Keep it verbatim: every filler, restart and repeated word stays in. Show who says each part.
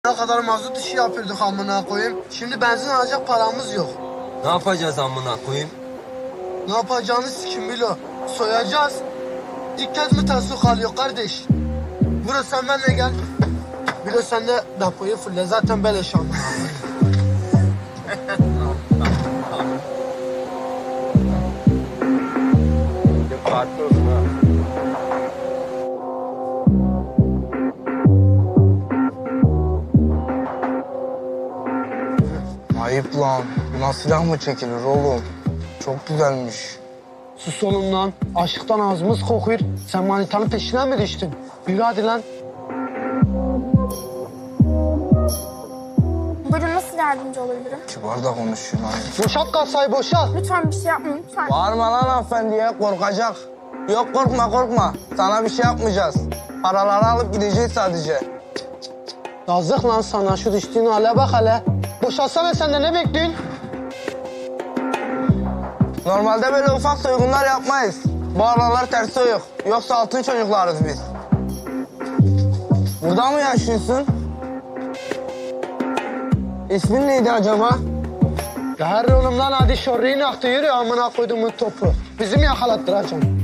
Speaker 1: Ne kadar mazot işi yapıyorduk amına koyayım. Şimdi benzin alacak paramız yok.
Speaker 2: Ne yapacağız amına koyayım?
Speaker 1: Ne yapacağını sikim bilo. Soyacağız. İlk kez mi tasuk alıyor kardeş? Bro sen benimle gel. Bilo sen de depoyu fulle. Zaten beleş amına koyayım.
Speaker 2: Farklı olsun ha.
Speaker 3: Ayıp lan. Buna silah mı çekilir oğlum? Çok güzelmiş.
Speaker 1: Sus oğlum lan. Aşıktan ağzımız kokuyor. Sen manitanın peşine mi düştün? Yürü hadi lan.
Speaker 4: Buyurun, nasıl yardımcı olabilirim?
Speaker 3: Kibar da konuşuyor lan.
Speaker 1: Boşalt kasayı boşalt.
Speaker 4: Lütfen bir şey yapmayın, lütfen.
Speaker 3: Bağırma lan hanımefendiye, korkacak. Yok korkma korkma. Sana bir şey yapmayacağız. Paraları alıp gideceğiz sadece.
Speaker 1: Yazık lan sana, şu düştüğün hale bak hele. Boşalsana sen de, ne bekliyorsun?
Speaker 3: Normalde böyle ufak soygunlar yapmayız. Bu aralar ters soyuk. Yoksa altın çocuklarız biz. Burada mı yaşıyorsun? İsmin neydi acaba?
Speaker 1: Ya her oğlum lan, hadi şorriyi aktı, yürü amına koyduğumun topu. Bizim yakalattıracaksın.